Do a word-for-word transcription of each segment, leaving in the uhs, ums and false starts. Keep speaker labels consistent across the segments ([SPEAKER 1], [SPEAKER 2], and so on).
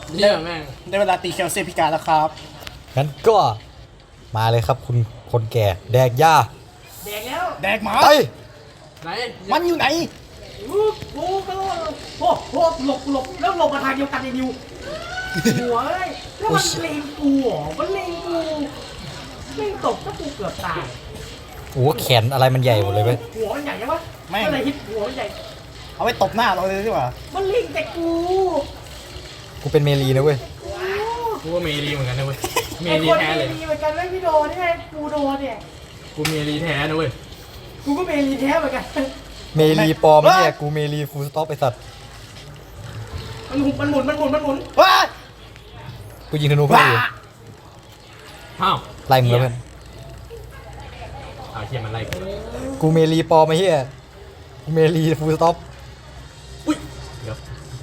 [SPEAKER 1] เยี่ยแม่ง
[SPEAKER 2] ได้เวลาตีเคลเซียพิการแล้วครับ
[SPEAKER 3] งั้นก็มาเลยครับคุณคนแก่แดกหญ้า
[SPEAKER 4] แดกแล้ว
[SPEAKER 2] แดกหมา
[SPEAKER 3] ไป
[SPEAKER 1] ไหน
[SPEAKER 2] มันอยู่ไหน
[SPEAKER 4] อู้หูก็โอ้โหหลบหลบแล้วหลบมาทางเดียวกันไอ้นิวหัวเอ้ยแล้วมันเลงกูเหรอมันเลงกูเลงตกก็กูเกือบตาย
[SPEAKER 3] โอ้โหแขนอะไรมันใหญ่หมดเลยเว้ย
[SPEAKER 4] หัวมันใหญ่ยังวะ
[SPEAKER 2] แม่ง
[SPEAKER 4] ก็เลยฮิตหัวมันใหญ่
[SPEAKER 2] เอาไว้ตบหน้าเราเลยดีกว่า
[SPEAKER 4] มันเลงแต่กู
[SPEAKER 3] กูเป็นเมลีนะเว้ย
[SPEAKER 1] กูว่าเมรีเหมือนกันนะเว้ยเม
[SPEAKER 4] ไอ้
[SPEAKER 1] รี
[SPEAKER 4] คน
[SPEAKER 1] แท้เลย
[SPEAKER 4] มีเหมือนกันไม่พี่โดนนี่ไงกูโดนเนี่ย
[SPEAKER 1] กูเมรีแท้นะเว้ย
[SPEAKER 4] กูก็เมลีแท้เหมือนกัน
[SPEAKER 3] เมลีปลอมเนี่ยกูเมลีฟูลสต็อปไอสัตว์
[SPEAKER 4] มันหมุนมันหมุนมันหมุนมันหมุน
[SPEAKER 2] ว้า
[SPEAKER 3] กูยิงธนูเพื่อนอยู่
[SPEAKER 1] อ้าว
[SPEAKER 3] ไล่มึงแล้วเพื่อน
[SPEAKER 1] อ้าวเชี่ยมันไล่กู
[SPEAKER 3] กูเมลีปลอมไอ้เหี้ยกูเมลีฟูลสต็อป
[SPEAKER 1] อุ้ยเดี๋ยว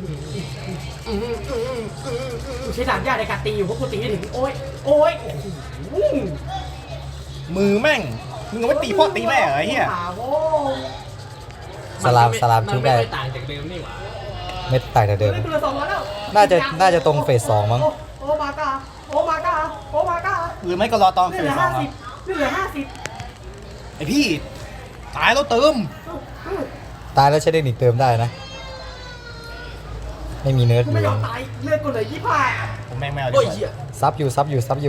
[SPEAKER 4] กูใช้ดาบยาในการตีอยู่เพราะกูตีไม่ถึงโอ้ยโอ้ยโอ้โห
[SPEAKER 2] มือแม่งมึงเอาไว้ตีพ่อตีแม่เหรอไอ้เหี้ย
[SPEAKER 4] ขาโว้
[SPEAKER 3] สลามสลาม
[SPEAKER 1] มัน
[SPEAKER 3] ชุบ
[SPEAKER 1] ไม่
[SPEAKER 3] ได้
[SPEAKER 1] ค่อยต่างจากเดิมนี่หว่า
[SPEAKER 3] ไม่ต่างจากเดิม
[SPEAKER 4] ได้ตัวละสองร้อยแล้ว
[SPEAKER 3] น่าจะน่าจะตรงเฟสสองมั้ง
[SPEAKER 4] โอ้มากาโอ้มากาโอ้มากา
[SPEAKER 2] หรือไม่ก็รอตอนเฟ
[SPEAKER 4] เหลื
[SPEAKER 2] ส
[SPEAKER 4] อ
[SPEAKER 2] สอ
[SPEAKER 4] ห้าง
[SPEAKER 2] ครั
[SPEAKER 4] สิ
[SPEAKER 2] บบ
[SPEAKER 4] เหลือห้าสิบ
[SPEAKER 2] ไอพี่ตายแล้วเติม
[SPEAKER 3] ตายแล้วใช้เทคนิคเติมได้นะ ไม่มีเนิร์ด
[SPEAKER 4] กู
[SPEAKER 3] อ
[SPEAKER 4] ไม่
[SPEAKER 3] ยู่
[SPEAKER 4] ยอมตายเลือดกูเหลือยี่สิบห้า
[SPEAKER 2] ผมแม่งไม่เอาดี
[SPEAKER 1] โอ้ย
[SPEAKER 2] กว่า
[SPEAKER 1] เหี้ย
[SPEAKER 3] ซับอยู่ซับอยู่ซับอยู่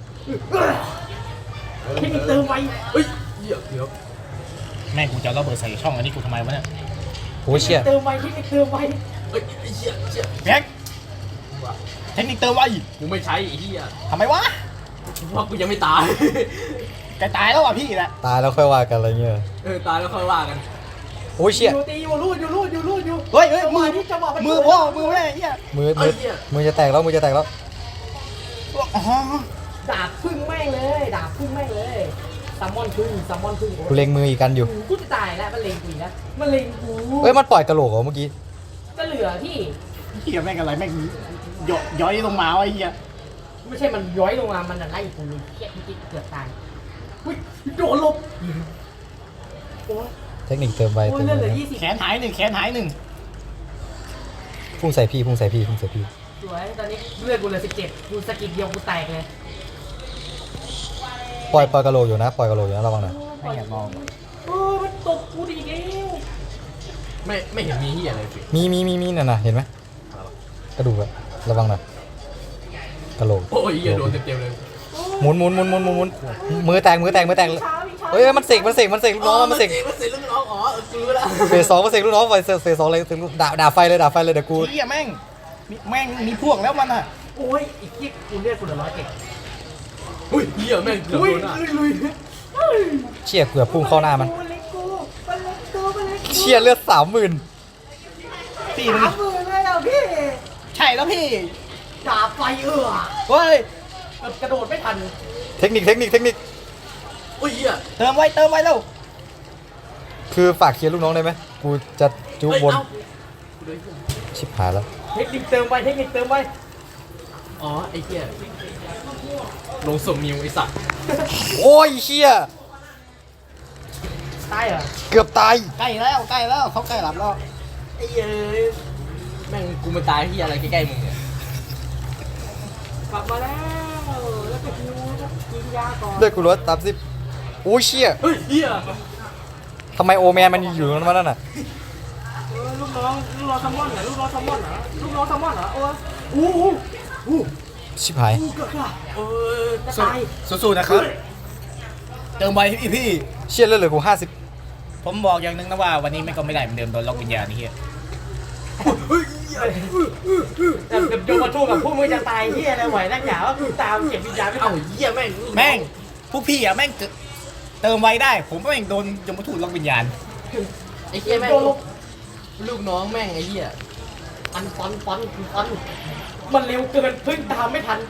[SPEAKER 4] เทคนิคเติมไว
[SPEAKER 1] เฮ้ยเหี้ยเดี๋ยว
[SPEAKER 2] แม่งกูจะเอาระเบิดใส่ช่องอันนี้กูทำไมวะเนี่ย
[SPEAKER 3] โอ้ยเชี่ย
[SPEAKER 4] เติมไวเทคนิคเติมไว
[SPEAKER 1] เฮ้ยไอ้เหี้ยเชี่ย
[SPEAKER 2] แบ็คเทคนิคเติมไว้
[SPEAKER 1] กูไม่ใช้ไอ้เหี้ย
[SPEAKER 2] ทำไมวะ
[SPEAKER 1] เพราะกูยังไม่ตาย
[SPEAKER 2] แกตายแล้วอ่ะพี่แหละ
[SPEAKER 3] ตายแล้วค่อยว่ากันอะไรเงี้ย
[SPEAKER 1] เออตายแล้วค่อยว่ากัน
[SPEAKER 3] โอ้ยเชี่ย
[SPEAKER 4] อยู่ตีอยู่รูดอยู่รูดอยู่รูดอยู่
[SPEAKER 2] เฮ้ยเฮ้ยมือ
[SPEAKER 4] ที่จะบอก
[SPEAKER 2] มือพ่อมือแม่ไอ้เหี้ย
[SPEAKER 3] มือมือมือจะแตกแล้วมือจะแตกแล้ว
[SPEAKER 2] อ๋อ
[SPEAKER 4] ดาบพึ่งแม่งเลยดาบพึ่งแม่งเลยซัมมอนพึ่งซัมมอนพึ่ง
[SPEAKER 3] กูเล็งมืออีกกันอยู่
[SPEAKER 4] กูจะตายแล้วมันเลงกูนะมันเลงกู
[SPEAKER 3] เฮ้ยมันปล่อยกระโหลกเหรอเมื่อกี้
[SPEAKER 4] ก็เหลือที่
[SPEAKER 2] เหี้ยแม่งอะไรแม่งย่อยย้อยลงมาวะไอ้เหี้ย
[SPEAKER 4] ไม่ใช่มันย้อยลงมามันไล่กูเลยแค่ที่เกือบตายอุ้ยโดนลบโอ้ย
[SPEAKER 3] เทคนิคเติมไว
[SPEAKER 4] โอ้
[SPEAKER 3] เติ
[SPEAKER 4] ย
[SPEAKER 3] ม
[SPEAKER 4] เลือดเห
[SPEAKER 3] ไว
[SPEAKER 4] ลือยี่สิบ
[SPEAKER 2] แขนหายหนึ่งแขนหายหนึ่ง
[SPEAKER 3] พุ่งใส่พี่พุ่งใส่พี่พุ่งใส่พี่
[SPEAKER 4] สวยตอนนี้เลือดกูเหลือสิบเจ็ดกูสกิดเดียวกูแตกเลย
[SPEAKER 3] ปล่อยปล่อยกระโหลกอยู่นะปล่อยกระโหลกอยู่นะระวังหน่อย
[SPEAKER 2] ไม่อยากมอง
[SPEAKER 4] โอ้มันตบกูดีกแล้ว
[SPEAKER 1] ไม่ไม่เห็นมีเหี้ยอะไรสิ
[SPEAKER 3] มีมีมีมีน่ะนะเห็นไหมกระดูกอะระวังหน่อยกระโหลก
[SPEAKER 1] โอ้ยเหี้ยโดนเต็มๆเลย
[SPEAKER 3] หมุนหมุนหมุนหมุนหมุนหมุนมือแตกมือแตกมือแตกเฮ้ยมันเสกมันเสกมันเสกลูกน้องมันเสก
[SPEAKER 1] มันเสกลูกน้องอ๋อเออกูรู้แล้ว
[SPEAKER 3] เฟสสองมันเสกลูกน้องไฟเฟสสองเลยเสกลูกด่าด่าไฟเลยด่าไฟเลยเดี๋ยวกู
[SPEAKER 2] เหี้ยแม่งมีแม่งมีพวกแล้วมันอ่ะ
[SPEAKER 4] โอ้ยอีกที่กูเลือดกูเหลือร้อยเจ็ด
[SPEAKER 1] อุ้ยเหี้ยแม่งเกือบ
[SPEAKER 4] อุ้ย
[SPEAKER 1] โดนอ่ะ
[SPEAKER 4] ลุยลุย
[SPEAKER 3] เชี่ยเกือบพุ่งเข้าหน้ามัน
[SPEAKER 4] มันเล็กกูมันเล็กกูมันเล็กกู
[SPEAKER 3] เชี่ยเลือดสามหมื่น
[SPEAKER 2] พี่
[SPEAKER 4] สา
[SPEAKER 2] มึง
[SPEAKER 4] มหมื่นเลยอ่ะพี่
[SPEAKER 2] ใช่แล้วพี่
[SPEAKER 4] ดาบไฟเอือ
[SPEAKER 2] เฮ้ย
[SPEAKER 4] กระโดดไม่ทัน
[SPEAKER 3] เทคนิคเทคนิคเทคนิค
[SPEAKER 1] อุ้ยเหี้ย
[SPEAKER 2] เติมไว้เติมไว้แล้ว
[SPEAKER 3] คือฝากเคลียร์ลูกน้องได้ไหมกูจะจุบบน
[SPEAKER 1] เอ้ยเอ้ากูโดนเหี้ย
[SPEAKER 3] ชิบหายแล้ว
[SPEAKER 4] เทคนิคเติมไปเทคนิคเติมไป
[SPEAKER 1] อ๋อไอ้เหี้ยลงสมนิวไอ้สัตว์
[SPEAKER 3] โอ้ยเชี่ย
[SPEAKER 4] ตายเหรอ
[SPEAKER 3] เกือบตาย
[SPEAKER 2] ใกล้แล้วใกล้แล้วเขาใกล้หลับแล้ว
[SPEAKER 1] ไอ้เหี้ยแม่งกูมาตายที่อะไรใกล้ๆมึงเนี่ย
[SPEAKER 4] กลับมาแล้วแล้วก็คิวกินยาก่อน
[SPEAKER 3] เลือดกูลดสามสิบโอ้ยเชี่ย
[SPEAKER 1] เฮ้ยเหี้ย
[SPEAKER 3] ทำไมโอแมนมันอยู่ตรงนั้นวะนั่นน่ะ
[SPEAKER 4] เออลูกน้องลูกน้องแซลมอนเหรอลูกน้องแซลมอนเหรอลูกน้องแซลมอนเหรอโอ้ยอู้หูอู้
[SPEAKER 3] ชิบหาย
[SPEAKER 4] อู้เกือบละ
[SPEAKER 1] เออ
[SPEAKER 4] จะตาย
[SPEAKER 2] สู้ๆนะครับเติมไว้พี่พี่
[SPEAKER 3] เชี่ยเลือดเหลือกูห้าสิบ
[SPEAKER 2] ผมบอกอย่างหนึงนะว่าวันนี้ไม่ก็ไม่ได้เหมือนเดิมโดนล็อกวิญญาณนี่เฮีย
[SPEAKER 1] เฮ้ยเหี้ย
[SPEAKER 4] แต่เดี๋ยวโยมมาทู่กับพวกมึงจะตายเฮียอะไรไหวนักหนาว่ากูตามเก็บวิญญาณไม่
[SPEAKER 1] เอ้า
[SPEAKER 4] เอา
[SPEAKER 1] เหี้ยแม่ง
[SPEAKER 2] แม่งพวกพี่อ่ะแม่งเกิดเติมไว้ได้ ผมแม่งโดนยมทูตล็อกวิญญาณ
[SPEAKER 1] ไอ้เหี้ยแม่ง
[SPEAKER 4] โดนลบ
[SPEAKER 1] ลูกน้องแม่งไอ้เหี้ย
[SPEAKER 4] ฟันฟันฟันฟันมันเร็วเกินเพิ่งตามไม่ทัน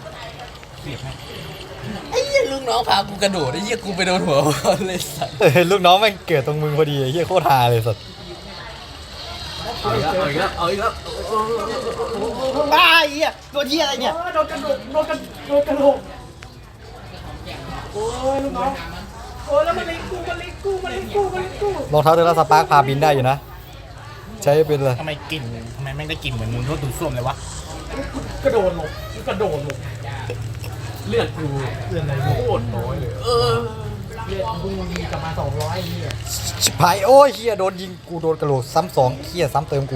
[SPEAKER 1] ไอ้เหี้ยลูกน้องพากูกระโดดไอ้เหี้ยกูไปโดนหัวเลยสัตว์
[SPEAKER 3] เออลูกน้องแม่งเกิดตรงมึงพอดีไอ้เฮียโคตรฮาเลยสัส
[SPEAKER 1] เอาอีกแล้วเอาอีกแล้วเอาอีกแล้ว
[SPEAKER 2] บ้าไอ้เฮียตัวเฮียอะไรเนี่ย
[SPEAKER 4] โอ้ยโดนกระโดดโดนกระโดนกระโหลกโอ้ยลูกน้องโอ้ยแล้วมันเล็กกูมันเล็กกูมันเล็กกูมันเล็กกู
[SPEAKER 3] รองเท้าเทอร์สปาร์คพาบินได้อยู่นะ ใช้เป็นเลย
[SPEAKER 2] ทำไมกลิ่นทำไมแม่งได้กลิ่นเหมือนมึงรถดูดซ่วมเลยวะ
[SPEAKER 4] มกระโดดหลบกระโดดหลบ
[SPEAKER 1] เลือดกูเลือดอะไรโคตรน้อยเลยเออ
[SPEAKER 4] เลือดบูมีกลับมาสองร้อยนี่
[SPEAKER 3] ชิบหายโอ้ยเฮียโดนยิงกูโดนกระโหลกซ้ำสองเฮียซ้ำเติมกู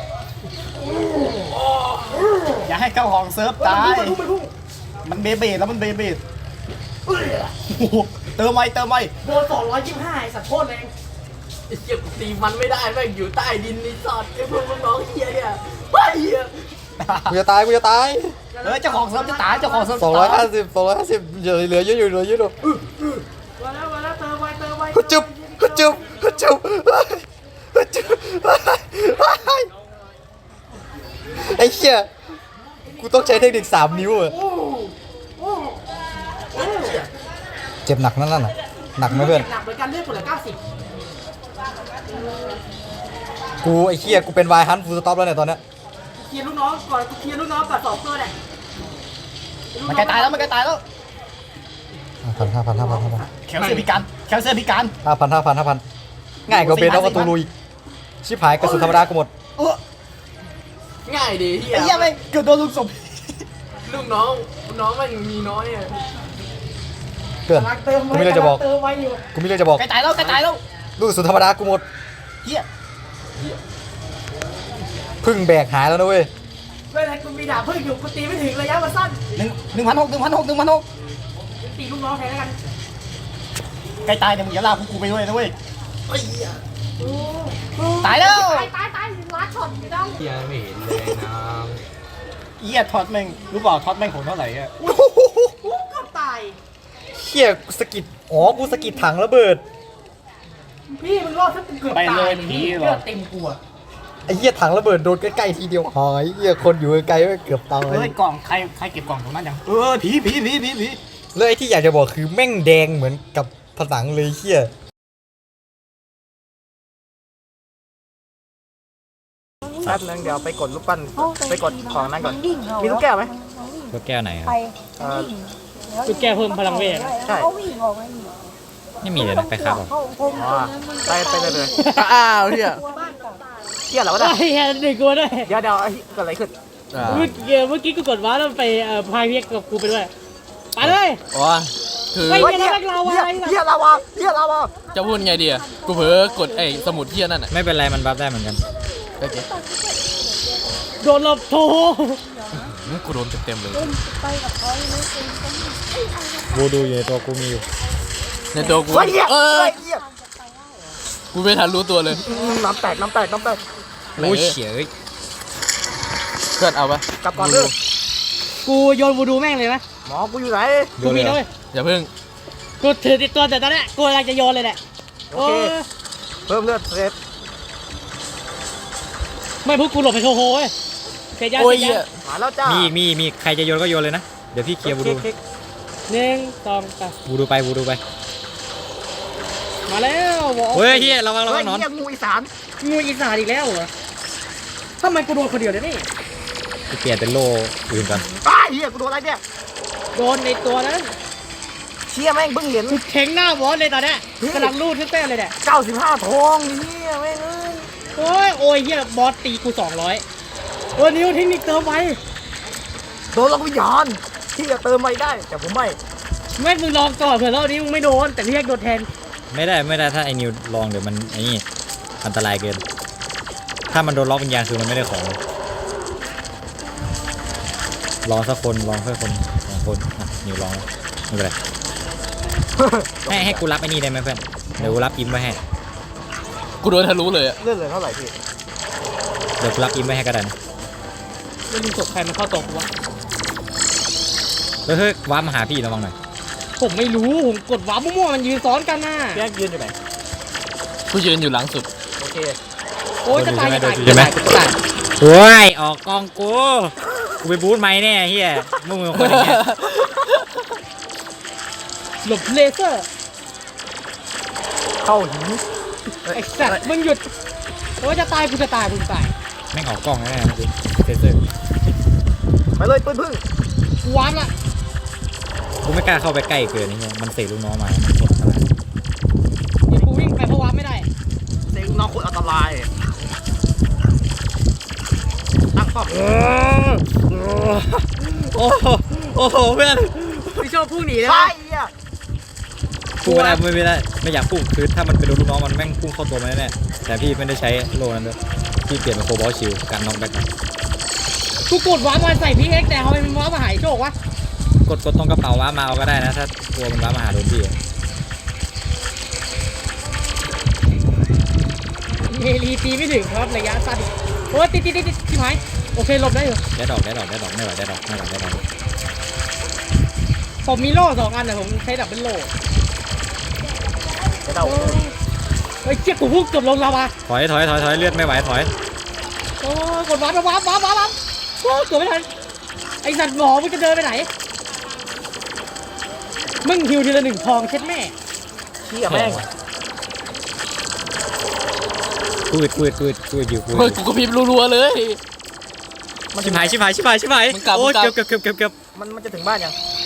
[SPEAKER 2] อย่าให้เข้าห้องเซิร์ฟตาย
[SPEAKER 4] มันพุ่งมันพุ่ง
[SPEAKER 2] มันเบเบดแล้วมันเบเบดโอ้โหเติมไว้เติมไว้
[SPEAKER 4] โดนสองร้อยยี่สิบห้าไอ้สัตว์โคตรแรง
[SPEAKER 1] ไอ้เหี้ยกูตีมันไม่ได้แม่งอยู่ใต้ดินนี่สอดไอ้พวกน้องเหี้ยเนี่ยไอ้เหี้ย
[SPEAKER 3] กูจะตายกูจะตาย
[SPEAKER 2] เออเจ้าของเซิร์ฟจะตายเจ้าของเซิร์ฟ
[SPEAKER 3] สองร้อยห้าสิบสองร้อยห้าสิบเหลือเหลือเยอะอยู่เหลือเยอะอยู่
[SPEAKER 4] มาแล้วมาแล้วเติมไว้เติมไว้
[SPEAKER 3] ฮึจุบฮึจุบฮึจุบฮึจุบไอ้เหี้ยกูต้องใช้เทคนิคสามนิ้วอะ
[SPEAKER 4] โอ้โอ้โอ้
[SPEAKER 3] เจ็บหนักนั่นน่ะหนักไหมเพื่อน
[SPEAKER 4] หนักเหมือนกันเลือดคนละเก้าสิบ
[SPEAKER 3] กูไอ้เหี้ยกูเป็นวายฮันฟูลสต็อปแล้วเนี่ยตอนเนี้ย
[SPEAKER 4] เคลียร์ลูกน้องก่อนเคลียร์ลูกน้องก่อนสองตัวเนี่ย
[SPEAKER 2] มันใกล้ตายแล้วมันใกล้ตายแล้ว
[SPEAKER 3] ห้าพันห้าพันห้าพันห้าพัน
[SPEAKER 2] แคลเซียมพิการแคลเซียมพิการ
[SPEAKER 3] ห้าพันห้าพันห้าพันง่ายกว่าเบนเอาประตูลุยชิบหายกระสุนธรรมดากูหมด
[SPEAKER 2] เออ
[SPEAKER 1] ง่ายดีเหี้ย
[SPEAKER 2] ไอ้เหี้ยไม่เกือบโดนลูกศพ
[SPEAKER 1] ลูกน้องน้องมันมีน้อยอ่ะ
[SPEAKER 3] เพื่อน
[SPEAKER 4] เติม
[SPEAKER 3] กู
[SPEAKER 4] ไว้
[SPEAKER 3] มีเรื่องจะบอก
[SPEAKER 4] เติมไว้อยู่
[SPEAKER 3] กูมีเรื่องจะบอก
[SPEAKER 2] ใกล้ตายแล้วใกล้ตายแล้ว
[SPEAKER 3] ลูกกระสุนธรรมดากูหมด
[SPEAKER 2] เหี้ย
[SPEAKER 3] พึ่งแบกหายแล้วนะเว้ย
[SPEAKER 4] ไม่เป็นไรกูมีดาบพึ่งอยู่กูตีไม่ถึงระยะมันสั้น
[SPEAKER 2] หนึ่งหนึ่งพันหกหนึ่งพันหกหนึ่งพันหก
[SPEAKER 4] ตีลูกน้องแทนแล้วกัน
[SPEAKER 2] ใกล้ตายเดี๋ยวมึงอย่าลากพวกกูไปด้วยนะเว้ย
[SPEAKER 1] ไอ้เหี้ย
[SPEAKER 2] ตายแล้ว
[SPEAKER 4] ตายตายตายล้าช็อตอยู่ดัง
[SPEAKER 1] เหี้ยไม่เห็นเลยนะ
[SPEAKER 2] เหี้ยท็อตแม่งรู้เปล่าท็อตแม่งโหดเท่าไหร่อะ
[SPEAKER 4] กูเกือบตาย
[SPEAKER 3] เฮียกูสะกิดอ๋อกูสะกิดถังระเบิด
[SPEAKER 4] พี่มึงรอดถ้ากูเกือบตายเลือดเต็มกูอะ
[SPEAKER 3] ไอ้เหี้ยถังระเบิดโดนใกล้ๆทีเดียวหายเหี้ยคนอยู่ไกลๆเกือบตาย
[SPEAKER 2] เฮ้ยกล่องใครใครเก็บกล่องตรงนั้นยังเออผีผีผีผีผี
[SPEAKER 3] แล้วไอ้ที่อยากจะบอกคือแม่งแดงเหมือนกับผนังเลยเหี้ย
[SPEAKER 2] แป๊บนึงเดี๋ยวไปกดรูปปั้น
[SPEAKER 5] ไปกดของนั้นก่อน
[SPEAKER 2] มีลูกแก้วไหม
[SPEAKER 3] ลูกแก้วไหนครับ
[SPEAKER 5] ไป
[SPEAKER 2] เอ่อ
[SPEAKER 5] จุดแก้เพิ่มพลังเวท
[SPEAKER 2] ใช่
[SPEAKER 5] เขาวิ่งออกไม่มี
[SPEAKER 3] ไม่มีเลยนะไปครับ
[SPEAKER 5] เขาคง
[SPEAKER 2] อ๋อไปไปเลยเลย
[SPEAKER 1] อ้าวเหี้ย
[SPEAKER 5] บ้านกับ
[SPEAKER 2] เที่ยแล้ววะ
[SPEAKER 5] ไอ้
[SPEAKER 2] เนี่ย
[SPEAKER 5] เหี้ยหนึ่งกูด้วย
[SPEAKER 2] เดี๋ยวเดี๋ยวไอ้เกิดอะไรขึ้น
[SPEAKER 5] เมื่อกี้เมื่อกี้กูกดว้าแล้วไปเอ่อพายเรียกกับกูไปด้วยไปเลย
[SPEAKER 1] อ๋อคือ
[SPEAKER 5] ไม่
[SPEAKER 2] เฮ้ย
[SPEAKER 5] เหี้
[SPEAKER 2] เที่
[SPEAKER 5] ย
[SPEAKER 2] ย
[SPEAKER 5] เราอะไร
[SPEAKER 2] เที่ยลาวาเที่ยลาวา
[SPEAKER 1] จะพูดไงดีอ่ะกูเผลอกดไอ้สมุดเหี้ยนั่นอ่ะ
[SPEAKER 3] ไม่เป็นไรมันบัฟได้เหมือนกัน
[SPEAKER 1] โอเค
[SPEAKER 5] โดนหลบโถ
[SPEAKER 1] งั้นกูโดนเต็มๆเลย
[SPEAKER 5] ไปกับเขาไม่เป็น
[SPEAKER 3] กูดูอยู่ในตัวกูมีอยู่
[SPEAKER 1] ในตัวกู
[SPEAKER 2] เฮ้ยเหี้ย
[SPEAKER 1] เออ
[SPEAKER 2] เฮ้ยเหี้ย
[SPEAKER 1] กูไม่ทันรู้ตัวเลย
[SPEAKER 2] น้ำแตกน้ำแตกน้ำแตก
[SPEAKER 3] โอ้ยเฉียเอ้ย
[SPEAKER 1] เพื่อนเอาปะ
[SPEAKER 2] กลับก่อนเด้อ
[SPEAKER 5] กูโยนวูดูแม่งเลยนะ
[SPEAKER 2] หมอกูอยู่ไหน
[SPEAKER 5] กูมีด้วย
[SPEAKER 1] อย่าเพิ่ง
[SPEAKER 5] กูถือติดตัวแต่ตอนเนี้ยกูกำลังจะโยนเลยแหละ
[SPEAKER 2] โอเคเพิ่มเลือดเซฟ
[SPEAKER 5] ไม่พูดกูหลบไปโชว์โหยเสียยา
[SPEAKER 1] โอ้ย
[SPEAKER 5] เสีย
[SPEAKER 1] เหี้ย
[SPEAKER 5] ยา
[SPEAKER 2] มาแล้วจ้า
[SPEAKER 3] มี
[SPEAKER 2] มี
[SPEAKER 3] มีมีใครจะโยนก็โยนเลยนะเดี๋ยวพี่เคลียร์บูดู
[SPEAKER 5] หนึ่งสองสาม
[SPEAKER 3] บูดูไปบูดูไป
[SPEAKER 5] มาแล้วหมอ
[SPEAKER 3] เฮ้ยเฮียระวังระ
[SPEAKER 2] เฮ้
[SPEAKER 3] วั
[SPEAKER 2] ย
[SPEAKER 3] งหนอน
[SPEAKER 2] เหี้ยงูอีสาน
[SPEAKER 5] งูอีสานอีกแล้วเหรอทำไมกูโดนคนเดียวเนี่ยนี่
[SPEAKER 3] กูเปลี่ยนเป็นโล่อื่นก่อน
[SPEAKER 2] อ้ายเหี้ยกูโดนอะไรเนี่ย
[SPEAKER 5] โดนในตัวนั้น
[SPEAKER 2] เชี่ยแม่งเพิ่งเห็น
[SPEAKER 5] สุดเข่งหน้าวอสเลยตอนเนี้ยกำลังรูดขึ้นเต้นเลยเนี่ย
[SPEAKER 2] เก้าสิบห้าทองเหี้ยแม่งเอ้ย
[SPEAKER 5] โอ้ยโอ้ยเฮียบอสตีกูสองร้อยโอ้ยนิ้วเทคนิคเติมไว้
[SPEAKER 2] โดนล็อกวิญญาณที่จะเติมไม่ได้แต่ผมไม่
[SPEAKER 5] ไม่มึงลองก่อนเผื่อรอบนี้มึงไม่โดนแต่เรียกโดนแทน
[SPEAKER 3] ไม่ได้ไม่ได้ถ้าไอ้นิวลองเดี๋ยวมันไอ้นี่อันตรายเกิน ถ้ามันโดนล็อกวิญญาณคือมันไม่ได้ของลองสักคนลองสักคนสองคนอ่ะนิวลองแล้วไม่เป็นไร ให้ให้กูรับไอ้นี่ได้ไหมเพื่อนเดี๋ยวกูรับอิมไว้ให้
[SPEAKER 1] กูโดนทะลุเลยอ่ะ
[SPEAKER 2] เลื่อนเหลือเท่าไหร่พี่
[SPEAKER 3] เดี๋ยวกูรับอิมไว้ให้ก็ได้นะ
[SPEAKER 5] ไม่รู้ศพใครมันเข้าตกวะ
[SPEAKER 3] เฮ้ยเฮ้ยว้าร์ปมาหาพี่ระวังหน่อย
[SPEAKER 5] ผมไม่รู้ผมกดว้ามั่วๆมันยืนซ้อนกันน่ะ
[SPEAKER 2] แยกยืนอยู่ไหน
[SPEAKER 1] กูยืนอยู่หลังสุด
[SPEAKER 2] โอเค
[SPEAKER 5] โอ้ยจะตายจะตาย
[SPEAKER 3] ใช่ไหมโอ้ยออกกองกูกูไปบูทไม้แน่เฮียมึงเป็นคนอย่างเงี้ย
[SPEAKER 5] หลบเลเซอร์
[SPEAKER 2] เข้าหิน
[SPEAKER 5] ไอ้สัตว์มึงหยุดโอ้ยจะตายกูจะตายกูจะตาย
[SPEAKER 3] แม่งออกกล้องแน่ๆเมื่อกี้เซนเซอร์
[SPEAKER 2] ไปเลยปืนพึ่ง
[SPEAKER 5] กูว้ามละ
[SPEAKER 3] กูไม่กล้าเข้าไปใกล้เกินนี่เฮียมันเสกลูกน้องมามันโคตรอันตราย
[SPEAKER 5] เดี๋ยวกูวิ่งไปเพราะว้ามไม่ได้
[SPEAKER 2] เซ็งน้องโคตรอันตรายตั้งเป้า
[SPEAKER 4] ป่ะ
[SPEAKER 3] โอ้โหโอ้โหเพื่อน
[SPEAKER 5] พี่โชคพุ่งหนีแล้ว
[SPEAKER 4] ใช่อ่ะ
[SPEAKER 3] พุ่งไม่ได้ไม่ไม่ได้ไม่อยากพุ่งคือถ้ามันไปโดนลูกน้องมันแม่งพุ่งเข้าตัวมันแน่ๆแต่พี่ไม่ได้ใช้โลนั้นด้วยพี่เปลี่ยนเป็นโคบอลชิลการน็อกแบ็ก
[SPEAKER 5] กูกดว้ามาใส่พี่เอ็กแต่ทำไมมันว้ามาหายโชควะ
[SPEAKER 3] กดกดตรงกระเป๋าว้ามาเอาก็ได้นะถ้ากลัวมันว้ามาหาโดนพี่
[SPEAKER 5] เฮลีตีไม่ถึงครับระยะสั้นโอ้ยติดติดติดติดชิบหายโอเคหลบได้อยู่
[SPEAKER 3] ได้ดอกได้ดอกได้ดอกไม่ไหวได้ดอกไม่ไหวได้ดอก
[SPEAKER 5] ผมมีโล่สองอันแต่ผมใช้ดับเป็นโล่
[SPEAKER 4] กระเดา
[SPEAKER 5] เฮ้ยเจี๊ยบกูพุ่งเกือบลงลาวา
[SPEAKER 3] ถอยถอยถอยถอยเลือดไม่ไหวถอย
[SPEAKER 5] โอ้กดว้าไปว้าว้าว้าว้าโอ้เกือบไม่ทันไอสัตว์หมอมึงจะเดินไปไหนมึงฮิวทีละหนึ่งทองเช็ดแม่
[SPEAKER 4] เชี่ยแม่ง
[SPEAKER 3] กูดกูดกูดกูดอยู่กูด
[SPEAKER 1] เฮ้ยกูก็พิมพ์รัวๆเลย
[SPEAKER 3] ชิบหายชิบหายชิบหายชิบหาย
[SPEAKER 1] มึงกลับ
[SPEAKER 3] โอ้ย
[SPEAKER 1] มึงกลับ
[SPEAKER 3] เกือบเกือบเกือบเกือบ
[SPEAKER 4] มันมันจะถึงบ้านยัง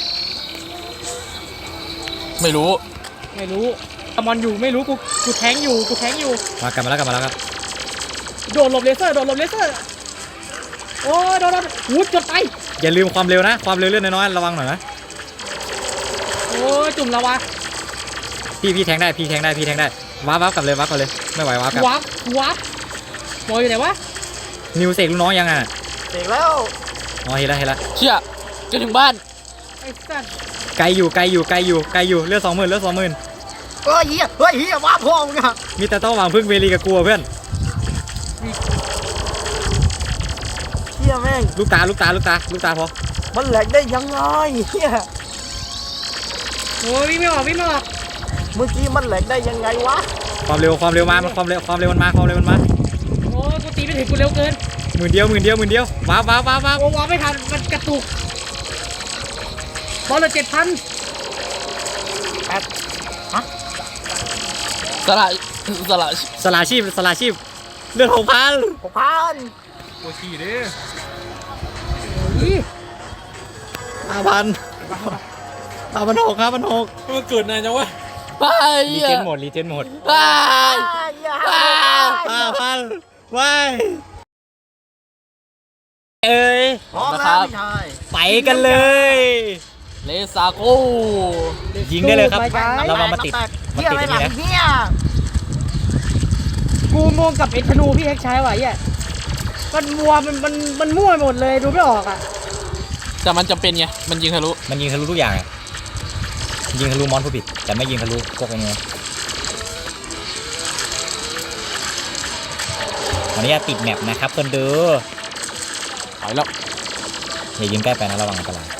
[SPEAKER 1] ไม่รู้
[SPEAKER 5] ไม่รู้อมอนอยู่ไม่รู้กูกูแทงอยู่กูแทงอยู่
[SPEAKER 3] มากลับมาแล้วกลับมาแล้วครับ
[SPEAKER 5] โดดหลบเลเซอร์โดดหลบเลเซอร์โอ้ยโดนโดนหูจดไป
[SPEAKER 3] อย่าลืมความเร็วนะความเร็วเลื่อนน้อยๆระวังหน่อยนะ
[SPEAKER 5] โอ้ยจุ่มละวะ
[SPEAKER 3] พี่พี่แทงได้พี่แทงได้พี่แทงได้ว้าวว้าวกลับเลยว้าวกลับเลยไม่ไหวว้าวกลับ
[SPEAKER 5] วับวับหมออยู่ไหนวะ
[SPEAKER 3] นิวเสกลูกน้องยังอ่ะ
[SPEAKER 4] เสร็จแล้ว
[SPEAKER 3] อ๋อเห็นแล้วเห็นแล้ว
[SPEAKER 1] เชี่ยจะถึงบ้าน
[SPEAKER 5] ไอ้สัตว์
[SPEAKER 3] ไกลอยู่ไกลอยู่ไกลอยู่ไกลอยู่เลือดสองหมื่นเลือดสองหมื่น
[SPEAKER 4] เฮ้ยเฮียเฮ้ยเฮียว้าพ่อมึงอะ
[SPEAKER 3] มีแต่ต้องหวังพึ่งเวลีกับกลัวเพื่อน
[SPEAKER 4] เชี่ยแม่ง
[SPEAKER 3] ลูกตาลูกตาลูกตาลูกตาพอ
[SPEAKER 4] มันแหลกได้ยังไงเฮีย
[SPEAKER 5] โอ้ยวิ่งไม่ออกวิ่งไม่ออก
[SPEAKER 4] เมื่อกี้มันแหลกได้ยังไงวะ
[SPEAKER 3] ความเร็วความเร็วมามันความเร็วความเร็วมันมาความเร็วมันมา
[SPEAKER 5] โอ้ยกูตีไม่ถึงกูเร็วเกิน
[SPEAKER 3] หมื่นเดียวหมื่นเดียวหมื่นเดียวว้าวว้าวว้าวว้าว
[SPEAKER 5] โอ้วับไม่ทันมันกระตุกบอลละเจ็ดพัน
[SPEAKER 1] สละสละ
[SPEAKER 3] สลาชีพสลาชีพเลือดหกพัน
[SPEAKER 4] หกพัน
[SPEAKER 3] ห้าพันห้าพันหกห้าพันหก
[SPEAKER 1] มันเกิดนานจังวะไป
[SPEAKER 3] รีเจนหมดรีเจนหมด
[SPEAKER 1] ไป
[SPEAKER 4] เฮีย
[SPEAKER 3] ห้าพันว้ายเอ้ย
[SPEAKER 4] พร้อมแล้วพี่ชาย
[SPEAKER 3] ไปกันเลย
[SPEAKER 1] เลซาโก
[SPEAKER 3] ยิงได้เลยครับ
[SPEAKER 5] ไปๆ
[SPEAKER 3] เรามามาติดมา
[SPEAKER 4] เฮีย
[SPEAKER 3] ติด
[SPEAKER 4] ไป
[SPEAKER 3] อัน
[SPEAKER 4] หลั
[SPEAKER 3] นี้
[SPEAKER 4] ง
[SPEAKER 3] นะ
[SPEAKER 4] เฮีย
[SPEAKER 5] กูงงกับไอ้ธนูพี่เอ็กใช้ว่ะไอ้เหี้ยมันมัวมันมันมันมั่วไปหมดเลยดูไม่ออกอ่ะ
[SPEAKER 1] แต่มันจำเป็นไงมันยิงทะลุ
[SPEAKER 3] มันยิงทะลุทุกอย่างอะยิงทะลุมอนผู้ผิดแต่ไม่ยิงทะลุพวกนี้วันนี้จะติดแมปนะครับคนดู
[SPEAKER 1] ไปแล้ว
[SPEAKER 3] อย่ายิงใกล้ไปนะระวังอันตรายว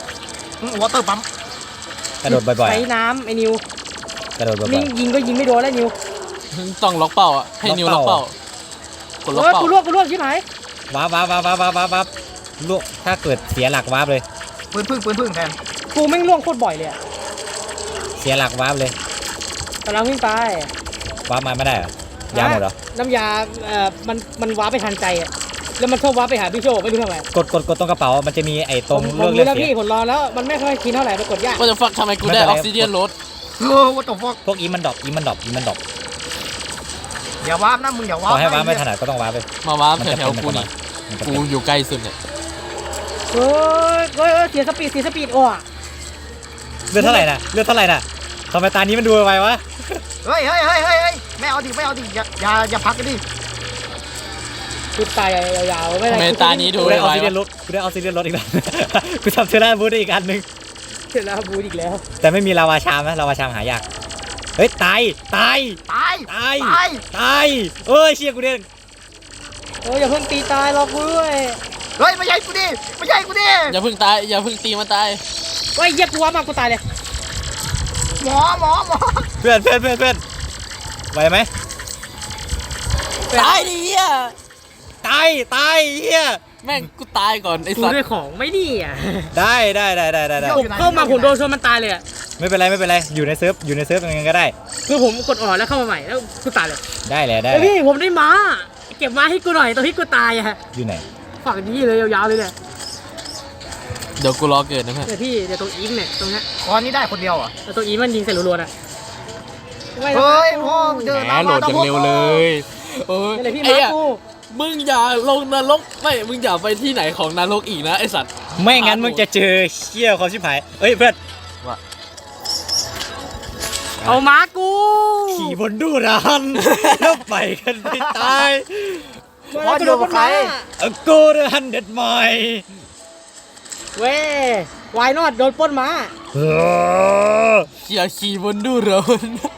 [SPEAKER 4] อเตอร์ปั๊ม
[SPEAKER 3] กระโดดบ่อย
[SPEAKER 5] ใช้น้ำไอ้นิว
[SPEAKER 3] ๆกระโดดบ่อ
[SPEAKER 5] นี่
[SPEAKER 3] ย
[SPEAKER 5] ยิงก็ยิงไม่โดนแล้วนิว
[SPEAKER 1] ต้องล็อกเป้าอ่ะให้นิว
[SPEAKER 3] ล็
[SPEAKER 1] ล็
[SPEAKER 3] อ
[SPEAKER 1] อก ก
[SPEAKER 3] เป้า
[SPEAKER 1] เป้ากดล็อก
[SPEAKER 5] โอ้ย
[SPEAKER 1] เป้า
[SPEAKER 5] กูลวกกูลวกชิบหาย
[SPEAKER 3] ๆว้าวว้าวว้าวว้าวว้าวว้าวว้าวลูกถ้าเกิดเสียหลักว้าวเลย
[SPEAKER 4] ปืนพึ่งปืนพึ่งแทน
[SPEAKER 5] กูแม่งล่วงโคตรบ่อยเลยอะ
[SPEAKER 3] เสียหลักว้าวเลย
[SPEAKER 5] กำลังวิ่งไป
[SPEAKER 3] ว้าวมาไม่ได้เหรอยาหมดเหรอ
[SPEAKER 5] น้ำยาเอ่อมันมันว้าไปทันใจอ่ะแล้วมันชอบว้าไปหาพี่โชคไม่รู้ทำไม
[SPEAKER 3] กดกดกดตรงกระเป๋ามันจะมีไอ้ตรง
[SPEAKER 5] ผม
[SPEAKER 3] เลือก
[SPEAKER 5] รู้
[SPEAKER 3] เลือด
[SPEAKER 5] แล้ว
[SPEAKER 3] เสีย
[SPEAKER 5] พี่ผมรอแล้วมันไม่ค่อยกินเท่าไหร่ไปกดยาก
[SPEAKER 1] ว่าจะฟักทำไมกูได้ออกซิเดียนรถ
[SPEAKER 4] เออวัตถุฟอก
[SPEAKER 3] พวกอีมันดรอปอีมันดรอปอีมันดรอป
[SPEAKER 4] อย่าวาร์ปนะมึงอย่าวา
[SPEAKER 3] ข
[SPEAKER 4] ร์
[SPEAKER 3] อ
[SPEAKER 4] ป
[SPEAKER 3] ให้ว้าวไม่
[SPEAKER 4] นะ
[SPEAKER 3] ถนัดก็ต้องว้าวไป
[SPEAKER 1] มาว้า
[SPEAKER 3] มัน
[SPEAKER 1] แถ
[SPEAKER 3] จะ
[SPEAKER 1] ว
[SPEAKER 3] เป็น
[SPEAKER 1] ๆกูนี่
[SPEAKER 3] มันจะ
[SPEAKER 1] กู
[SPEAKER 3] เป็น
[SPEAKER 1] อยู่ใกล้สุดเนี่ย
[SPEAKER 5] โอ้ยโอ้ยโอ้ยเสียสปีดเสียสปีดโอ้อะ
[SPEAKER 3] เลือดเท่าไหร่น่ะเลือดเท่าไหร่น่ะทำไมตานี้มันดูไววะ
[SPEAKER 4] เฮ้ยเฮ้ยเฮ้ยเฮ้ยเฮ้ยไม่เอาดิไม่เอาดิอย่าอย่าอย่าพักกันดิ
[SPEAKER 5] ชุดตายยาวๆไม่
[SPEAKER 1] ทำไม
[SPEAKER 5] ได้
[SPEAKER 1] ตานี้ดู
[SPEAKER 3] กูได้อ
[SPEAKER 1] ไว
[SPEAKER 3] อกซิเจน
[SPEAKER 1] ๆ
[SPEAKER 3] ร
[SPEAKER 1] วะ
[SPEAKER 3] ถกูได้ออกซิเจนรถอีกแล้ว กูทำเทอร์ราบูทได้อีกอันหนึง
[SPEAKER 5] เสร็จแล้วบูดอีกแล้ว
[SPEAKER 3] แต่ไม่มีลาวาชามนะลาวาชามหายากเฮ้ยตายตาย
[SPEAKER 4] ตาย
[SPEAKER 3] ตาย
[SPEAKER 4] ตาย
[SPEAKER 3] ตายเอ้ยเชี่ยกูเด้ง
[SPEAKER 5] โอ้ยอย่าเพิ่งตีตายหรอกกูด้วย
[SPEAKER 4] เฮ้ยไม่ใช่กูดิไม่ใช่กูดิ
[SPEAKER 1] อย่าเพิ่งตายอย่าเพิ่งตีมันตาย
[SPEAKER 5] เฮ้ยเหี้ยกูว้ามากกูตายเลย
[SPEAKER 4] หมอหมอหมอ
[SPEAKER 3] เพื่อนเพื่อนเพื่อนเพื่อนไหวไหม
[SPEAKER 1] ตายดิเฮีย
[SPEAKER 3] ตายตายเฮีย
[SPEAKER 1] แม่งกูตายก่อนไอ้
[SPEAKER 5] กู
[SPEAKER 1] สัตว์
[SPEAKER 5] ด้วยของไม่ดีอ่ะ
[SPEAKER 3] ได้ได้ได้ได้ได้ได้
[SPEAKER 5] ผมเข้ามาผมโดนชนมันตายเลยอ่ะ
[SPEAKER 3] ไม่เป็นไรไม่เป็นไรอยู่ในเซิร์ฟอยู่ในเซิร์ฟยังไงก็ได้
[SPEAKER 5] คือผมกดอ่อนแล้วเข้ามาใหม่แล้วกูตายเลย
[SPEAKER 3] ได้แหละได้
[SPEAKER 5] เฮ้ย
[SPEAKER 3] แหละ
[SPEAKER 5] พี่ผมได้ม้าเก็บม้าให้กูหน่อยตอนที่กูตายอ่ะ
[SPEAKER 3] อยู่ไหน
[SPEAKER 5] ฝั่งนี้เลยยาวๆเลยเนี่ย
[SPEAKER 1] เดี๋ยวกูรอเกิดนะเพื่อน
[SPEAKER 5] เดี๋ยวพี่เดี๋ยวตรงอีฟเนี่ยตรงเนี้ย
[SPEAKER 4] ตอนนี้ได้คนเดียวอ่ะ
[SPEAKER 5] แล้วตรงอีฟมันยิงใส่รัวๆอ่ะไม่นะ
[SPEAKER 4] เฮ้ยพ่อเดิน
[SPEAKER 1] แหมโหลดอย่างเร็วเลยโอ้ย
[SPEAKER 5] นี่เลยพี่
[SPEAKER 1] ไอ้
[SPEAKER 5] ม้า
[SPEAKER 1] เหี้ย
[SPEAKER 5] กู
[SPEAKER 1] มึงอย่าลงนรกไม่มึงอย่าไปที่ไหนของนรกอีกนะไอสัตว์
[SPEAKER 3] ไม่งั้นมึงจะเจอเชี่ยความชิบหายเอ้ยเพื่อน
[SPEAKER 5] เอาม้ากู
[SPEAKER 3] ขี่บนดูรันแล้วไปกันไปตาย
[SPEAKER 5] มาโดนใคร
[SPEAKER 3] เอาโกเดฮันเด็ดใหม่
[SPEAKER 5] เว้ยวายนอดโดนปล้นม้า
[SPEAKER 3] เออ
[SPEAKER 1] อย่าขี่บนดูเรือ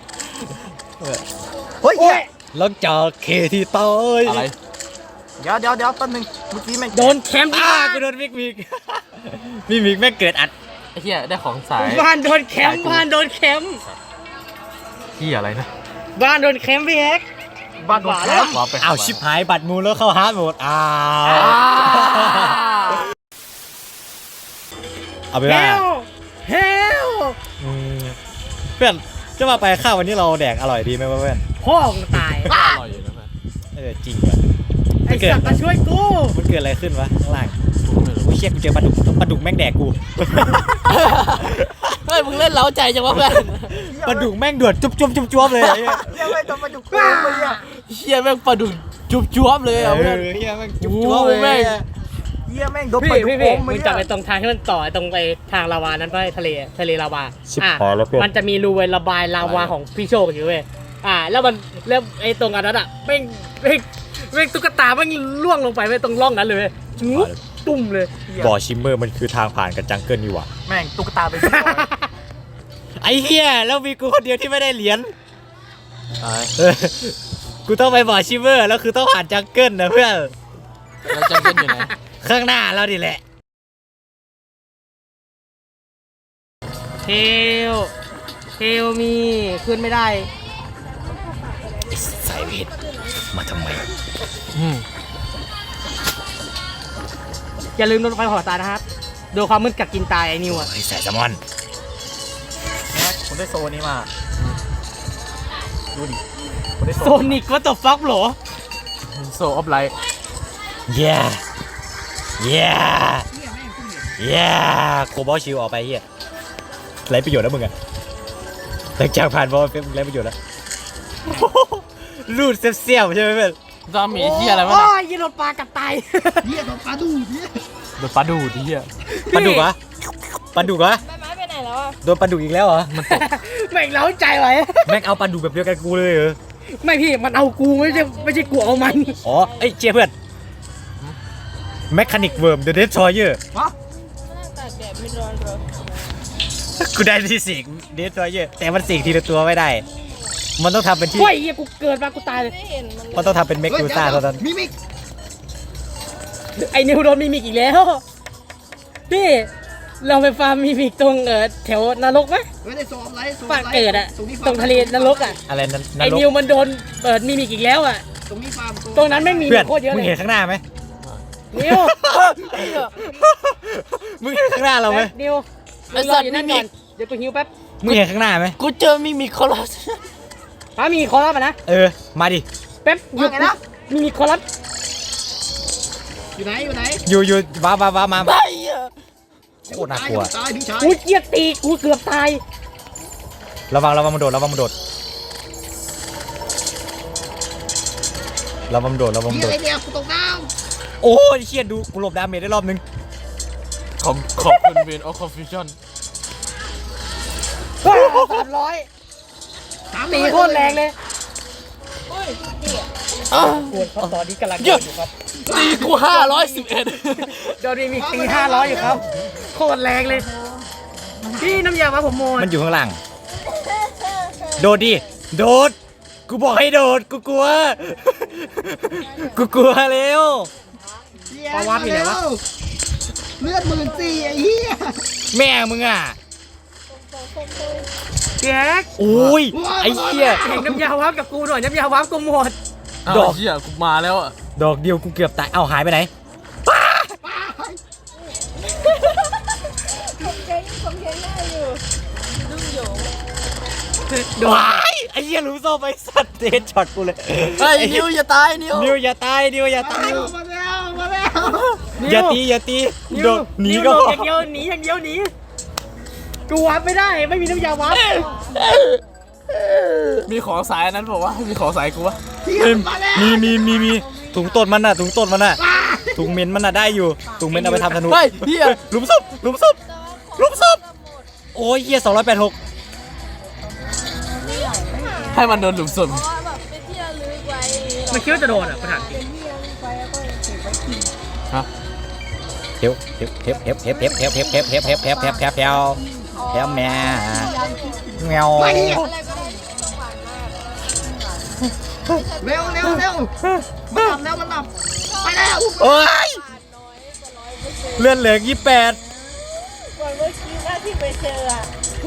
[SPEAKER 2] เฮ้ย
[SPEAKER 5] โอ้ย
[SPEAKER 3] หลังจากเคที่ตาย
[SPEAKER 1] อะไร
[SPEAKER 2] เดี๋ยวเดี๋ยวเดี๋ยวแป๊บนึงเมื่อกี้แม่ง
[SPEAKER 5] โดนแคมป์
[SPEAKER 3] อ้ากูโดนมิกมิกมิกมิกแม่งเกิดอัด
[SPEAKER 1] ไอ้เหี้ยได้ของสาย
[SPEAKER 5] บ้านโดนแคมป์บ้านโดนแคมป์
[SPEAKER 1] เหี้ยอะไรนะ
[SPEAKER 5] บ้านโดนแคมป์พี่เอ็กซ์
[SPEAKER 2] บ้านโดนแคมป์
[SPEAKER 1] ว้าไป
[SPEAKER 3] อ้าวชิบหายบัตรมูลแล้วเข้าฮาร์ดโหมดอ้าวเอาไป
[SPEAKER 5] เฮ
[SPEAKER 3] ว่า
[SPEAKER 5] ลเฮล
[SPEAKER 3] อืมเพื่อนจะมาไปข้าววันนี้เราแดกอร่อยดีไหมวะเพื่อน
[SPEAKER 5] พ่อมึงตาย
[SPEAKER 1] อร่อยอยู่นะเพื่อน
[SPEAKER 3] เออจริงว่ะ
[SPEAKER 5] ไอ้สัตว์มาช่วยกู
[SPEAKER 3] มันเกิดอะไรขึ้นวะข้างล่าง
[SPEAKER 1] กูก็ไม่รู้
[SPEAKER 3] กูเชี่ยกูเจอปลาดุกปลาดุกแม่งแดกกู
[SPEAKER 1] เฮ้ยมึงเล่นเล้าใจจังวะเพื่อน
[SPEAKER 3] ปลาดุกแม่งเดือดจุ๊บจุ๊บจุ๊บจุ๊บเลยไอ้เหี้ย
[SPEAKER 2] เหี้ยไม่ต้องมาจุกกูเลยอ่ะ
[SPEAKER 1] เหี้ยแม่งปลาดุกจุ๊บจ้วบเลย
[SPEAKER 3] เอ
[SPEAKER 1] อ่ะ
[SPEAKER 3] อ
[SPEAKER 1] เพื่อน
[SPEAKER 3] เฮียแม่งจุ๊บจุ๊บเลย
[SPEAKER 1] โอ้แม่ง
[SPEAKER 2] เหี้ยแม่งโดน
[SPEAKER 5] พี่
[SPEAKER 2] ไปดุ
[SPEAKER 5] พี่
[SPEAKER 2] โอ
[SPEAKER 5] พี่
[SPEAKER 2] ม
[SPEAKER 5] มึ
[SPEAKER 2] มึ
[SPEAKER 5] ง
[SPEAKER 2] ง
[SPEAKER 5] จับไปตรงทางที่มันต่อตรงไปทางลาวานั้นไปทะเลทะเลลาวา
[SPEAKER 3] ชิบ
[SPEAKER 5] อ่ะ
[SPEAKER 3] หายแล้วเพื่อน
[SPEAKER 5] มันจะมีรูเวนระบายลาวาของพี่โชคอยู่เว้ยอ่า แล้วมันแล้วไอ้ตรงอันนั้นอ่ะแม่งแม่งแม่งตุ๊กตาแม่งล่วงลงไปไว้ตรงร่องนั้นเลยเว้ยงุ๊บตุ่มเลย
[SPEAKER 3] บ่อชิมเมอร์มันคือทางผ่านกับจังเกิลนี่หว่า
[SPEAKER 2] แม่งตุ๊กตาเป็นร้อย
[SPEAKER 3] ไอ้เฮียแล้วมีกูคนเดียวที่ไม่ได้เหรียญ
[SPEAKER 1] ตาย
[SPEAKER 3] เออกูต้องไปบ่อชิมเมอร์แล้วคือต้องผ่านจังเกิลนะเพื่อน
[SPEAKER 1] แล้วจังเกิลอยู่ไหน
[SPEAKER 3] ข้างหน้าเราดิแหละ
[SPEAKER 5] เทลเทลมีขึ้นไม่ได้
[SPEAKER 3] สายเวทมาทำไม
[SPEAKER 1] อืม
[SPEAKER 5] อย่าลืมโดนไฟหอตายนะครับโดนความมืดกัดกินตายไอ้นิวอ่ะ
[SPEAKER 3] ไอ้สายแซลมอน
[SPEAKER 2] นะผมได้โซนี้มาดูดิผมได้โซ
[SPEAKER 5] โซนิกว่าตบฟักหรอ
[SPEAKER 1] โซออฟไลท์
[SPEAKER 3] เย้เย้เย้โคบอลชิวออกไปเฮียไรประโยชน์แล้วมึงอะหลังจากผ่านบอลเป็นไรประโยชน์แล้ว รูดเสี้ยวๆใช่ไหมเพื่อน
[SPEAKER 1] ตามีเหี้ยอะไรวะ
[SPEAKER 5] โอ้
[SPEAKER 1] น่ะ
[SPEAKER 5] ยยิงโดนปลากัดตาย
[SPEAKER 2] เหี้ยโดนปลาดูเหี้ย
[SPEAKER 1] โดนปลาดูดเหี้ย
[SPEAKER 3] ปลาดุกเหรอปลาดุกเหรอ
[SPEAKER 6] ไม้ไม้ไปไหนแล้วอ่ะ
[SPEAKER 3] โดนปลาดุกอีกแล้วเหรอ
[SPEAKER 5] แม่งเล้าใจไว้
[SPEAKER 3] แม่งเอาปลาดุกแบบเดียวกันกูเลยเหรอ
[SPEAKER 5] ไม่พี่มันเอากูไม่ใช่ไม่ใช่กูเอามัน
[SPEAKER 3] อ๋อไอ้ยเจี๊ยเพื่อนแมคคานิกเวิร์มเดอะเดสทรอยเยอร์
[SPEAKER 2] ฮะ
[SPEAKER 6] นั่งตากแดดไม่ร้อนเหรอ
[SPEAKER 3] กูได้ที่สิงเดสทรอยเยอร์แต่มันสิงทีละตัวไม่ได้ มันต้องทำเป็นที่
[SPEAKER 5] โอ้ยเหี้ยกูเกิดมากูตายเลย
[SPEAKER 6] ไม่เห็นมันเลย
[SPEAKER 3] มันต้องทำเป็นเมกดูซ่าเท่านั้น
[SPEAKER 2] มิมิก
[SPEAKER 5] ไอ้นิวโดนมิมิกอีกแล้วพี่เราไปฟาร์มมิมิกตรงเออแถวนรกไหม
[SPEAKER 2] เฮ้ยได้โซอะไรโซ
[SPEAKER 5] ปากเกิดอะตรงทะเลนรกอะ
[SPEAKER 3] อะไรนั้นน
[SPEAKER 5] ไอ้
[SPEAKER 3] รก
[SPEAKER 5] นิวมันโดนเปิดมิมิกอีกแล้วอะ
[SPEAKER 2] ตรงนี้ฟาร์ม
[SPEAKER 5] ตรงนั้นไม่งมี
[SPEAKER 3] เพื่อน
[SPEAKER 5] โคตรเยอะ
[SPEAKER 3] มึ
[SPEAKER 5] เล
[SPEAKER 3] ง
[SPEAKER 5] ย
[SPEAKER 3] เห็นข้างหน้าไหม
[SPEAKER 5] นิว
[SPEAKER 3] มึงเห็นข้างหน้าเราไหม
[SPEAKER 5] แป๊บนิวมึงรออยู่นั่นก่อนเดี๋ยวกูหิวแป๊บ
[SPEAKER 3] มึงเห็นข้างหน้าไหม
[SPEAKER 1] กูเจอมิมิคอลัส
[SPEAKER 5] ป้ามีคอรับอะนะ
[SPEAKER 3] เออมาดิ
[SPEAKER 5] แป๊บหยุดนะมีมีคอรับ
[SPEAKER 2] อยู่ไหนอยู่ไหน
[SPEAKER 3] อยู่อยู่ว้าว้าว้ามา
[SPEAKER 1] ไอ้เหี้ย
[SPEAKER 3] โคตรน่ากลัว
[SPEAKER 2] ตายพี่ชาย
[SPEAKER 5] กูเกลียดตีกูเกือบตาย
[SPEAKER 3] ระวังระวังมันโดดระวังมันโดดระวังมันโดดระวังมัน
[SPEAKER 2] เหี้ย
[SPEAKER 3] โด
[SPEAKER 2] อะไร
[SPEAKER 3] ด
[SPEAKER 2] เนี่ยกูตกน้
[SPEAKER 3] โอ้ยเชี่ยดูกูหลบดาเมจได้รอบนึง
[SPEAKER 1] ขอบขอบคุณเวนออฟคอนฟิวชั่น
[SPEAKER 5] สามร้อย
[SPEAKER 2] ำสาม
[SPEAKER 5] ตีโคตรแรงเลย
[SPEAKER 6] โอ้ยนี่อ่ะ
[SPEAKER 5] ปวดเขาตอนนี้กำลังโดนอยู่ครับ
[SPEAKER 1] ตีกูห้าร้อยสิบเอ็ด
[SPEAKER 5] โดนมีตีห้าร้อยอยู่ครับโคตรแรงเลยพี่น้ำยามาผมโมน
[SPEAKER 3] มันอยู่ข้างหลังโดดดิโดดกูบอกให้โดดกูกลัว กูกลัวเร็ว
[SPEAKER 5] ปาวาปีไหนวะ
[SPEAKER 2] เลือดหมื่นสี่ไอ้เหี้ย
[SPEAKER 3] แม่มึงอ่ะ
[SPEAKER 5] แจ็ค
[SPEAKER 3] โอ้ยไอ้เหี้ย
[SPEAKER 5] แข่งน้ำยาวับกับกูหน่อยน้ำยาวับกูหมด
[SPEAKER 3] ด
[SPEAKER 1] ด
[SPEAKER 3] อ
[SPEAKER 1] อก กเหี้ยกูมาแล้วอ่ะ
[SPEAKER 3] ดอกเดียวกูเกือบตายเอ้าหายไปไหน
[SPEAKER 6] ผมเก่งผมเก่งได้อยู่ดุ้งโยง
[SPEAKER 5] โดน
[SPEAKER 3] ว้ายไอ้เหี้ยรู้โซ่ไปสัตว์เดนช็อตกูเลย
[SPEAKER 1] ไอ้นิวอย่าตายนิว
[SPEAKER 3] นิวอย่าตายนิวอย่าตาย
[SPEAKER 2] มาแล้วมาแล้ว
[SPEAKER 3] อย่าตีอย่าตี
[SPEAKER 5] นิ้ว
[SPEAKER 3] โดดหนี
[SPEAKER 5] นิ้ว
[SPEAKER 3] ก็
[SPEAKER 5] โด
[SPEAKER 3] พ
[SPEAKER 5] ด
[SPEAKER 3] อ
[SPEAKER 5] อย่างเดียวหนีอย่างเดียวหนีกูวับไม่ได้ไม่มีน้ำยาวับ
[SPEAKER 1] มีของสายนั้นบอกว่ามีของสายกูวะ
[SPEAKER 2] เหี้ยมาแล้ว
[SPEAKER 3] มีมีมีมีกูถุงต้นมันน่ะถุงต้นมันน่ะถุงเมนมันน่ะได้อยู่ถุงเมนเอาไปทำธนู
[SPEAKER 1] เฮ้ยเฮีย
[SPEAKER 3] หลุมศพหลุมศพหลุมศพโอ้ยเฮียสองร้อยแปดหก
[SPEAKER 1] ให้มันโดนหลุมศพ
[SPEAKER 6] เพราะว่าแบบเป็นที่ระลึกไว้
[SPEAKER 5] มันคิดว่าจะโดนอ่ะประธานจริง
[SPEAKER 6] เป็นที่ระลึกไว้แล้วก็เก็บไว้กิน
[SPEAKER 3] เฮฟเฮฟเฮฟเฮฟเฮฟเฮฟเฮฟเฮฟเฮฟเฮฟเฮฟเฮฟเฮฟเฮฟเฮฟเฮฟเฮฟแม่แมว
[SPEAKER 6] อะไรก็ได้ที่ต้องหวานมาก
[SPEAKER 4] เร็วเร็วเร็วมันหลับแล้วมันหลับไปแล้ว
[SPEAKER 3] โอ้ย
[SPEAKER 6] หวานน้อยแต่ร้อยเปอร์เซ็นต์
[SPEAKER 3] เลื่อนเหลืองยี่แปด
[SPEAKER 6] ก่อนเมื่อกี้ว่าที่ไปเจออะ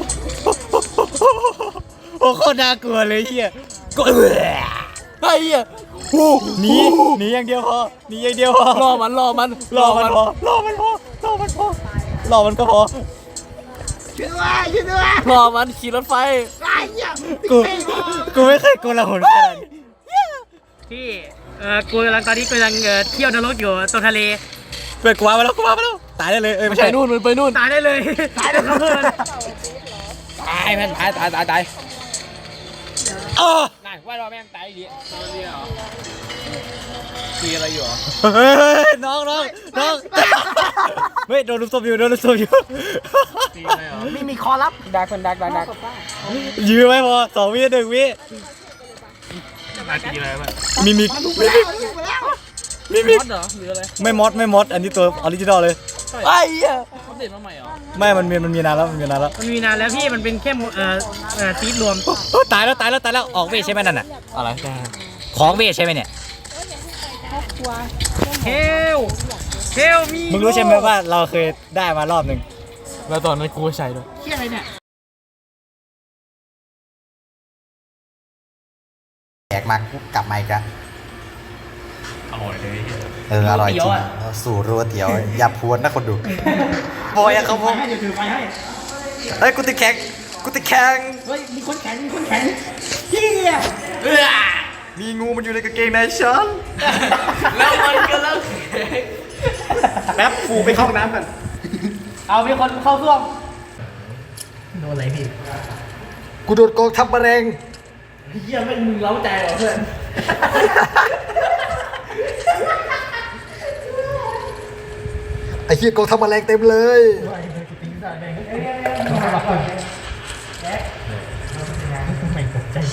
[SPEAKER 3] โอ้โคตรน่ากลัวเลยเฮียก็
[SPEAKER 1] ไอ้เฮีย
[SPEAKER 3] หนีหนีอย่างเดียวพอหนีอย่างเดียวพอ
[SPEAKER 1] รอมันรอมัน
[SPEAKER 3] รอมันพอรอมันพอรอมันพอรอมันก็พอ
[SPEAKER 4] ช่วยด้วยช่วยด้วย
[SPEAKER 1] รอมันขี่รถไฟ
[SPEAKER 4] ไอ้เหี้ย
[SPEAKER 3] กูกูไม่เคยโกลาหลขนาดนี้
[SPEAKER 5] ที่เออกูกำลังตอนนี้กูกำลังเอ่อเที่ยวนรกอยู่ตรงทะเล
[SPEAKER 3] เปิดกูมาแล้วกูมาแล้วตายได้เลยเอ้ยไม่
[SPEAKER 1] ไป
[SPEAKER 3] ใช่
[SPEAKER 1] นู่นมันไปนู่น
[SPEAKER 5] ตายได้เลยตายได้ครับเพื่อน
[SPEAKER 3] ตายแม่งตายตายตายตายอ้อ
[SPEAKER 5] นั่นว่าเราแม่งตายดี
[SPEAKER 1] ขี่อะไรอยู่
[SPEAKER 3] เฮ้ยน้องน้องน้องเฮ้ยโดนลุมศพอยู่โดนลุมศพอยู่
[SPEAKER 4] มีมีคอรับ
[SPEAKER 5] ดักคนดักดักดัก
[SPEAKER 3] ยื้อไว้พอสองวิหนึ่งวิ
[SPEAKER 5] มาตีอะไรบ้าง
[SPEAKER 3] มีมิก
[SPEAKER 4] ไปแล้วไปแล้ว
[SPEAKER 3] มีมิก
[SPEAKER 1] มอดเหรอหรืออะไร
[SPEAKER 3] ไม่มอดไม่มอดอันนี้ตัวออริจินอลเลย
[SPEAKER 1] ไอ้เฮียเขาเด็ดมาใหม่เหรอ
[SPEAKER 3] ไม่มันมีมันมีนานแล้วมันมีนานแล้ว
[SPEAKER 5] มันมีนานแล้วพี่มันเป็นแค่เอ่อเอ่อซีดรวม
[SPEAKER 3] โอ้ตายแล้วตายแล้วตายแล้วออกเวทใช่ไหมนั่นน่ะ
[SPEAKER 1] อะไร
[SPEAKER 3] ของเวทใช่ไหมเนี่ย
[SPEAKER 5] เฮลเฮลมี
[SPEAKER 3] มึงรู้ใช่ไหมว่าเราเคยได้มารอบหนึ่ง
[SPEAKER 1] แล้วตอนนั้นกูก็ใช้ด้วย
[SPEAKER 4] เหี้ยอะไรเนี่ย
[SPEAKER 7] แขกมากลับมาอีกแล้วอร่อยเลยเอออร่อยจริงสู่รัวเตี๋ยวอย่าพวนนะคนดูบอยอะเขาพง
[SPEAKER 4] ให้เดี๋ยวถือไปให้
[SPEAKER 7] เฮ้ยกูติดแข็งกูติดแข็ง
[SPEAKER 4] เฮ้ยมีคนแข็งมีคนแข็งเหี้ย
[SPEAKER 7] มีงูมันอยู่ในกางเกงในฉัน
[SPEAKER 1] แล้วมันก็เลิกแข่ง
[SPEAKER 4] แป๊บฟูไปเข้าห้องน้ำกัน
[SPEAKER 5] เอามีคนเข้าร่วม
[SPEAKER 4] โดนอะไรพี่
[SPEAKER 7] กูโดนกองทัพมะเร็ง
[SPEAKER 4] เหี้ยไม่มึงเล้าใจเหรอเพื่อน
[SPEAKER 7] ไอ้เหี้ยกองทัพมะเร็งเต็มเลย
[SPEAKER 4] ไม่ตกใจ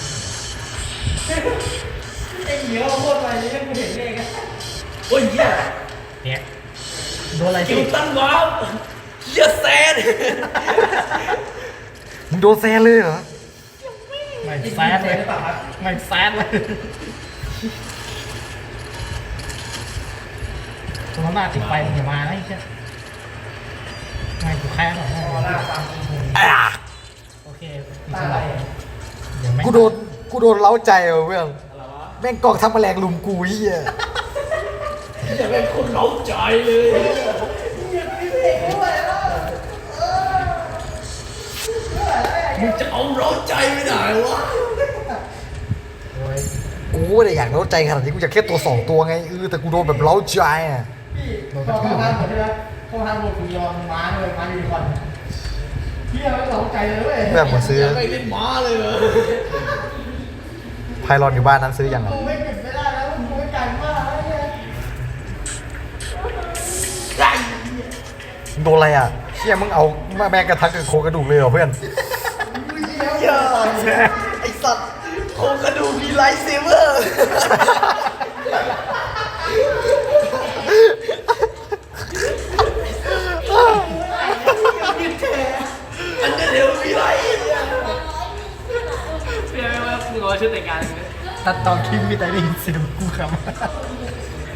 [SPEAKER 4] ไอ้เหนียวโคตรอะไรนี่กูเห็นเองอะ
[SPEAKER 1] โอ้ยเฮีย
[SPEAKER 4] เนี่ยโดนอะไร
[SPEAKER 1] กิ
[SPEAKER 4] พี่
[SPEAKER 1] วตั้งว้าวเฮียแซน
[SPEAKER 7] มึงโดนแซนเลยเหรอ
[SPEAKER 4] ไม่แซดเลยไม่แซดเลยตัวหน้าติดไฟมึงอย่ามานะไอ้เชี่ยไม่กูแค่หน่อยโอเคมีสลับเดี๋ยวไม่
[SPEAKER 7] กูโดนกูโดนเล้าใจเหรอเพื่อนแม่งกองทัพแมลงลุมกูเหี้ย
[SPEAKER 1] จะเป็นคนเล้าใจเลยมึงจะเอาเล้าใจไปไหนวะ
[SPEAKER 7] กูไม่ได้อยากเล้าใจขนาดนี้กูอยากแค่ตัวสองตัวไงเออแต่กูโดนแบบเล้าใจอ่ะ
[SPEAKER 4] โดนกระทืบนะเหมือนที่แล้วเข้าทางโดนกูยอมม้าเลยม้ายูนิคอร์นเฮียไม่สนใจเลยเว้ย
[SPEAKER 7] แบบเหมือนซื้อ
[SPEAKER 1] ไม่เล่นม้าเลยเหรอ
[SPEAKER 7] ไพลอนอยู่บ้านนั้นซื้อยังอ่ะ
[SPEAKER 4] ไม่ปิดไม่ได้แล้วกูไม่จ่ายมากแล้วเนี่ย
[SPEAKER 7] มึงโดนอะไรอ่ะเชี่ยมึงเอามาแบกกระทักกับโครงกระดูกเลยเหรอเพื่อน
[SPEAKER 1] ไอสัตว์โครงกระดูกมีไลท์เซเวอร์ อันนั้นเดี๋ยวมีไลท์เนี่ย
[SPEAKER 5] เปลี่ยนไปว่ามึงเอาชุดแต่งงานเลย
[SPEAKER 4] ตัดตอนคลิปมีแต่ได้ยินเสียงกูครับ